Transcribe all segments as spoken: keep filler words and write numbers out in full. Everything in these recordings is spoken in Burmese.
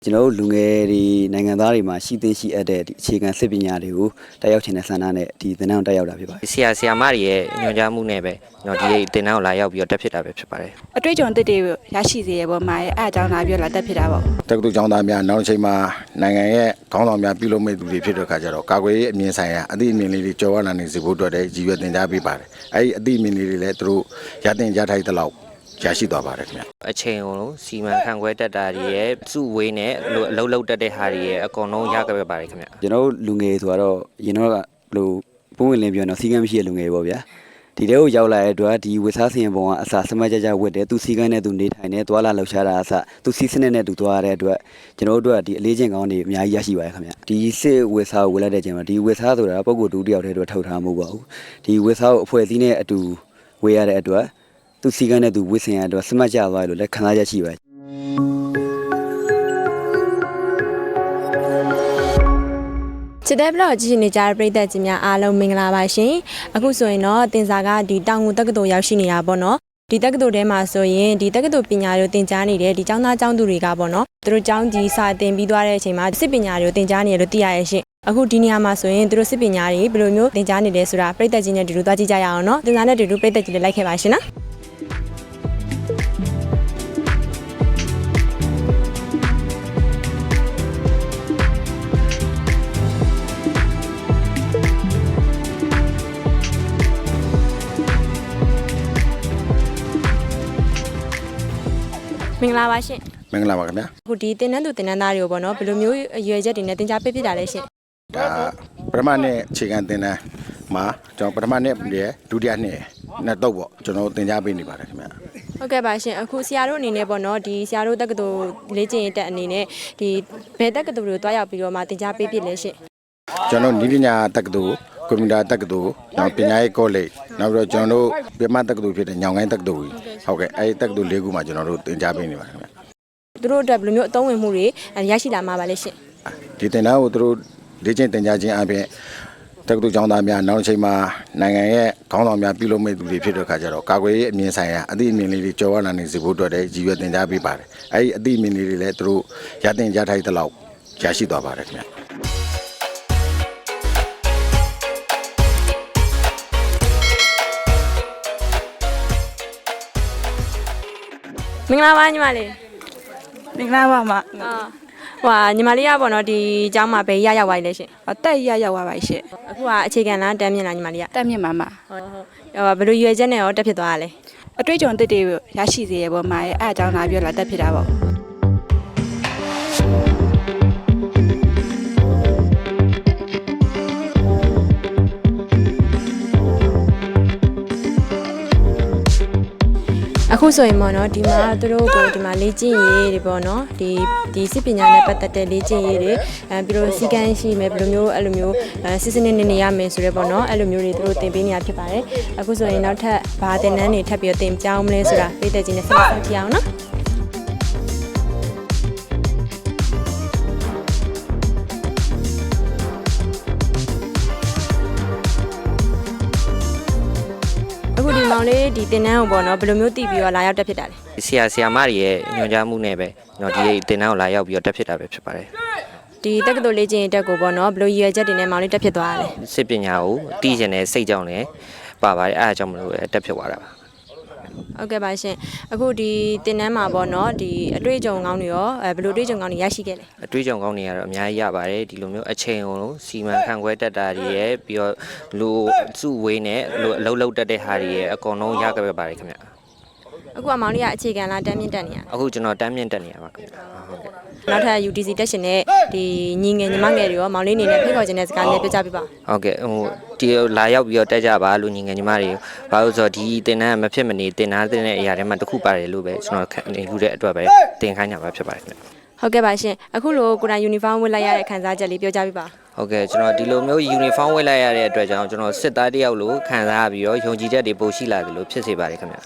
ကျွန်တော်တို့လူငယ်တွေနိုင်ငံသားတွေမှာရှိသိရှိအပ်တဲ့ဒီအခြေခံစစ်ပညာတွေကိုတက်ရောက်ခြင်းနဲ့ဆန္ဒနဲ့ဒီသင်တန်းကိုတက်ရောက်တာဖြစ်ပါတယ်ဆရာဆရာမတွေရဲ့ညွှန်ကြားမှုနဲ့ပဲကျွန်တော်ဒီသင်တန်းကိုလာရောက်ပြီးတော့တက်ဖြစ်တာပဲဖြစ်ပါတယ်အတွေ့အကြုံတစ်တွေရရှိစေရပေါ်မှာအဲအကြောင်းလာပြီးလာတက်ဖြစ်တာပေါ့တက္ကသိုလ်ကျောင်းသားများနောက်တစ်ချိန်မှာနိုင်ငံရဲ့ခေါင်းဆောင်များပြုလုပ်မဲ့သူတွေဖြစ်တဲ့အခါကျတော့ကာကွယ်ရေးအမြင်ဆိုင်ရာအသည့်အမြင်လေးတွေကြော်ဝါလာနေစေဖို့အတွက်လည်းရည်ရွယ်တင် जा ပေးပါတယ်အဲဒီအသည့်အမြင်လေးတွေလည်းသူတို့ရတင်ကြထိုက်တဲ့လောက်ရရှိသွားပါတယ်ခင်ဗျအချိန်ကိုစီမံခန့်ခွဲတတ်တာတွေရဲ့စုဝေးနဲ့အလုံးလုံးတက်တဲ့ဟာတွေရဲ့အကုန်လုံးရခဲ့ပြပါတယ်ခင်ဗျကျွန်တော်တို့လူငယ်ဆိုတော့ရင်တော့ကဘလို့ပုံဝင်လင်းပြောတော့စီကံမရှိတဲ့လူငယ်ပေါ့ဗျာဒီတဲကိုရောက်လာတဲ့အတွက်ဒီဝစ်စားစင်ပုံကအစာစမတ်ကြကြဝတ်တယ်သူစီကံနဲ့သူနေထိုင်နေသွားလာလှုပ်ရှားတာအစသူစီစနစ်နဲ့သူသွားရတဲ့အတွက်ကျွန်တော်တို့အတွက်ဒီအလေးချင်းကောင်းတွေအများကြီးရရှိပါတယ်ခင်ဗျဒီစစ်ဝစ်စားကိုဝယ်လိုက်တဲ့ချိန်မှာဒီဝစ်စားဆိုတာပုံကိုတူတယောက်တည်းအတွက်ထုတ်ထားမှုပေါ့ဒီဝစ်စားကိုအဖွဲ့အစည်းနဲ့အတူဝေးရတဲ့အတွက်သူစီကံနဲ့သူဝစ်စင်ရတဲ့စမတ်ကြသွားလို့လည်းခံစားချက်ရှိပါတယ်ချစ်တဲ့ဘလော့ကြည့်နေကြတဲ့ပရိသတ်ကြီးများအားလုံးမင်္ဂလာပါရှင်အခုဆိုရင်တော့တင်စာကဒီတောင်ငူတက္ကသိုလ်ရောက်ရှိနေတာပေါ့နော်ဒီတက္ကသိုလ်ထဲမှာဆိုရင်ဒီတက္ကသိုလ်ပညာတွေကိုသင်ကြားနေတဲ့ဒီကျောင်းသားကျောင်းသူတွေကပေါ့နော်သူတို့ကျောင်းကြီးစာသင်ပြီးသွားတဲ့အချိန်မှာစစ်ပညာတွေကိုသင်ကြားနေရလို့သိရရဲ့ရှင်အခုဒီနေရာမှာဆိုရင်သူတို့စစ်ပညာတွေဘယ်လိုမျိုးသင်ကြားနေလဲဆိုတာပရိသတ်ကြီးနဲ့တူတူသွားကြည့်ကြရအောင်နော်တင်စာနဲ့တူတူပရိသတ်ကြီးတွေလိုက်ခဲ့ပါရှင်နော်မင်္ဂလာပါရှင်မင်္ဂလာပါခင်ဗျာအခုဒီတင်နန်းသူတင်နန်းသားတွေကိုပေါ့နော်ဘယ်လိုမျိုးအရွယ်ချက်တွေနဲ့တင် जा ပေးဖြစ်တာလဲရှင်ဒါပထမနှစ်အခြေခံတင်တန်းမှာကျွန်တော်ပထမနှစ်ရဲ့ဒုတိယနှစ်နှစ်တော့ပေါ့ကျွန်တော်တင် जा ပေးနေပါတယ်ခင်ဗျာဟုတ်ကဲ့ပါရှင်အခုဆရာတို့အနေနဲ့ပေါ့နော်ဒီဆရာတို့တက္ကသိုလ်လေ့ကျင့်ရေးတက်အနေနဲ့ဒီဘယ်တက္ကသိုလ်တွေကိုတွားရောက်ပြီးတော့မှတင် जा ပေးဖြစ်လဲရှင်ကျွန်တော်ဤပညာတက္ကသိုလ်ကွန်ပျူတာတက္ကသိုလ်နောက်ပညာရေးကောလိပ်နောက်ပြီးတော့ကျွန်တော်တို့ပြမတက္ကသိုလ်ဖြစ်တဲ့ညောင်ကိုင်းတက္ကသိုလ်ကြီးဟုတ်ကဲ့အဲဒီတက္ကသိုလ်လေးခုမှာကျွန်တော်တို့သင်ကြားပေးနေပါတယ်ခင်ဗျသူတို့အတွက်ဘယ်လိုမျိုးအသုံးဝင်မှုတွေရရှိလာမှာပါလဲရှင်ဒီသင်တန်းကိုသူတို့လေ့ကျင့်သင်ကြားခြင်းအပြင်တက္ကသိုလ်ကျောင်းသားများနောက်တစ်ချိန်မှာနိုင်ငံရဲ့ခေါင်းဆောင်များပြုလုပ်မဲ့သူတွေဖြစ်တဲ့အခါကျတော့ကာကွယ်ရေးအမြင်ဆိုင်ရာအသည့်အမြင်လေးတွေကြော်ဝါလာနေစေဖို့အတွက်လည်းရည်ရွယ်တင် जा ပေးပါတယ်အဲဒီအသည့်အမြင်လေးတွေလည်းသူတို့ရတင်ကြထိုက်တဲ့လောက်ရရှိသွားပါတယ်ခင်ဗျမင်္ဂလာပါညီမလေးမင်္ဂလာပါမအာဟွာညီမလေးကပေါ့နော်ဒီအကြောင်းမှာဘယ်ရရောက်သွားလဲရှင်တက်ရရောက်သွားပါရှင့်အခုကအခြေခံလားတန်းမြင့်လားညီမလေးကတက်မြင့်ပါမဟုတ်ဟုတ်ဘယ်လိုရွယ်ချက်နဲ့ရောတက်ဖြစ်သွားတာလဲအတွေ့အကြုံတစ်တွေရရှိစေရပေါ်မှာအဲအကြောင်းလာပြီးလာတက်ဖြစ်တာပေါ့အခုဆိုရင်ပေါ့နော်ဒီမှာသူတို့ကိုဒီမှာလေ့ကျင့်ရေးတွေပေါ့နော်ဒီဒီစစ်ပညာနဲ့ပတ်သက်တဲ့လေ့ကျင့်ရေးတွေအဲပြီးတော့စီကံရှိမယ်ဘယ်လိုမျိုးအဲ့လိုမျိုးအဲစစ်စစ်နေနေရမယ်ဆိုရဲပေါ့နော်အဲ့လိုမျိုးတွေသူတို့သင်ပေးနေရဖြစ်ပါတယ်အခုဆိုရင်နောက်ထပ်ဘာသင်တန်းတွေထပ်ပြီးတော့သင်ကြောင်းမလဲဆိုတာပြည်သက်ကြီးနဲ့ဆက်ဆက်ပြအောင်နော်အခုဒီမောင်လေးဒီတင်နန်းကိုပေါ့နော်ဘယ်လိုမျိုးတည်ပြီးတော့လာရောက်တက်ဖြစ်တာလဲဆရာဆရာမတွေရဲ့ညွှန်ကြားမှုနဲ့ပဲကျွန်တော်ဒီသင်တန်းကိုလာရောက်ပြီးတော့တက်ဖြစ်တာပဲဖြစ်ပါတယ်ဒီတက္ကသိုလ်လေ့ကျင့်ရေးတက်ကိုပေါ့နော်ဘယ်လိုရည်ရွယ်ချက်တွေနဲ့မောင်လေးတက်ဖြစ်သွားတာလဲစစ်ပညာကိုတည်ကျင်တဲ့စိတ်ကြောင့်လည်းပါပါတယ်အဲအကြောင်းမလို့တက်ဖြစ်သွားတာပါဟုတ်ကဲ့ပါရှင်အခုဒီတင်နန်းမှာပေါ့နော်ဒီအတွေ့အကြုံကောင်းတွေရောအဲဘယ်လိုအတွေ့အကြုံကောင်းတွေရရှိခဲ့လဲအတွေ့အကြုံကောင်းတွေကတော့အများကြီးရပါတယ်ဒီလိုမျိုးအချိန်ကိုစီမံခန့်ခွဲတတ်တာတွေရဲ့ပြီးတော့လူစုဝေးနဲ့အလုံးလုံးတက်တဲ့ဟာတွေရဲ့အကုန်လုံးရခဲ့ပြပါတယ်ခင်ဗျအခုအမောင်လေးကအခြေခံလားတန်းမြင့်တက်နေရအခုကျွန်တော်တန်းမြင့်တက်နေရပါခင်ဗျဟုတ်ကဲ့နောက်ထပ် ယူ တီ စီ တက်ရှင်နဲ့ဒီညီငယ်ညီမငယ်တွေရောမောင်လေးနေနဲ့ဖိတ်ခေါ်ခြင်းတဲ့စကားလေးပြောကြပြပါဟုတ်ကဲ့ဟိုဒီလာရောက်ပြီးတော့တက်ကြပါလို့ညီငယ်ညီမတွေဘာလို့ဆိုတော့ဒီတင်တန်းမဖြစ်မနေတင်သားတဲ့အရာတွေမှာတစ်ခုပါတယ်လို့ပဲကျွန်တော်ခံယူတဲ့အတွက်ပဲတင်ခိုင်းကြပါဖြစ်ပါတယ်ခင်ဗျဟုတ်ကဲ့ပါရှင်အခုလိုကိုယ်တိုင်ယူနီဖောင်းဝတ်လိုက်ရတဲ့ခံစားချက်လေးပြောကြပြပါဟုတ်ကဲ့ကျွန်တော်ဒီလိုမျိုးယူနီဖောင်းဝတ်လိုက်ရတဲ့အတွက်ကြောင့်ကျွန်တော်စစ်သားတယောက်လိုခံစားပြီးတော့ယုံကြည်ချက်တွေပိုရှိလာတယ်လို့ဖြစ်စေပါတယ်ခင်ဗျ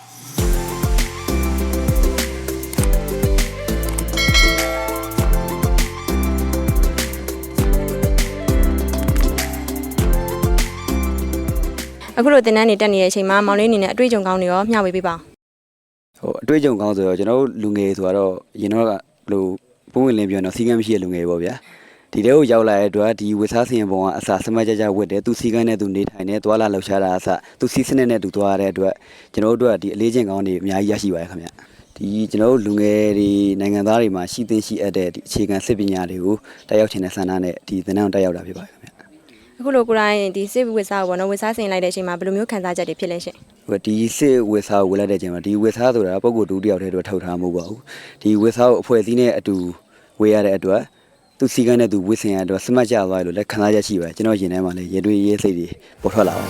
အခုလိုတင်တန်းနေတက်နေတဲ့အချိန်မှာမောင်လေးအနေနဲ့အတွေ့အကြုံကောင်းတွေရောမျှဝေပေးပါဟိုအတွေ့အကြုံကောင်းဆိုတော့ကျွန်တော်တို့လူငယ်ဆိုတော့ရင်တော့ကဘလို့ပုံဝင်လင်းပြောတော့စီကံမရှိတဲ့လူငယ်ပေါ့ဗျာဒီတဲကိုရောက်လာတဲ့အတွက်ဒီဝစ်စားစင်ပုံကအစာစမတ်ကြကြဝတ်တယ်သူစီကံနဲ့သူနေထိုင်နေသွာလာလှုပ်ရှားတာအစသူစီစနစ်နဲ့သူသွားရတဲ့အတွက်ကျွန်တော်တို့အတွက်ဒီအလေးချင်းကောင်းတွေအများကြီးရရှိပါတယ်ခင်ဗျဒီကျွန်တော်တို့လူငယ်တွေနိုင်ငံသားတွေမှာရှိသင့်ရှိအပ်တဲ့ဒီအခြေခံစစ်ပညာတွေကိုတက်ရောက်ခြင်းနဲ့ဆန္ဒနဲ့ဒီသင်တန်းတက်ရောက်တာဖြစ်ပါတယ်ခင်ဗျအခုလိုကိုရိုင်းဒီစစ်ဝစ်စားကိုပေါ့နော်ဝစ်စားဆင်လိုက်တဲ့အချိန်မှာဘယ်လိုမျိုးခံစားချက်တွေဖြစ်လဲရှင်ဟိုဒီစစ်ဝစ်စားကိုဝယ်လိုက်တဲ့အချိန်မှာဒီဝစ်စားဆိုတာပုံကိုတူတယောက်တည်းတော့ထုတ်ထားမှုမဟုတ်ပါဘူးဒီဝစ်စားကိုအဖွဲ့အစည်းနဲ့အတူဝေးရတဲ့အတွက်သူစီကံနဲ့သူဝစ်စင်ရတဲ့အတွက်စမတ်ကြသွားလို့လည်းခံစားချက်ရှိပါတယ်ကျွန်တော်ရင်ထဲမှာလည်းရေတွေးရေးစိတ်တွေပေါ်ထွက်လာပါ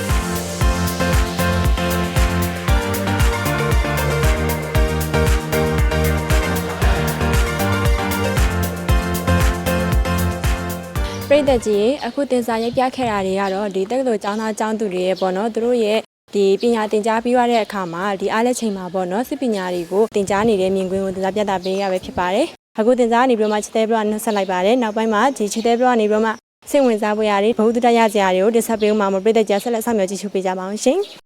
ပရိသတ်ကြီးအခုတင်စားရိုက်ပြခဲ့တာတွေကတော့ဒီတက္ကသိုလ်ကျောင်းသားကျောင်းသူတွေရဲ့ပေါ့နော်သူတို့ရဲ့ဒီပညာသင်ကြားပြီးရတဲ့အခါမှာဒီအားလက်ချိန်မှာပေါ့နော်စစ်ပညာတွေကိုသင်ကြားနေတဲ့မြင်ကွင်းကိုတင်စားပြသပေးရပဲဖြစ်ပါတယ်အခုတင်စားနေပြီးတော့မှချစ်တဲ့ဘလော့နှုတ်ဆက်လိုက်ပါတယ်နောက်ပိုင်းမှာဒီချစ်တဲ့ဘလော့နေပြီးတော့မှစိတ်ဝင်စားဖွယ်ရာတွေဘုဒ္ဓတရားစရာတွေကိုတင်ဆက်ပေးဦးမှာမပရိသတ်ကြီးဆက်လက်ဆောင်ရွက်ကြည့်ရှုပေးကြပါအောင်ရှင်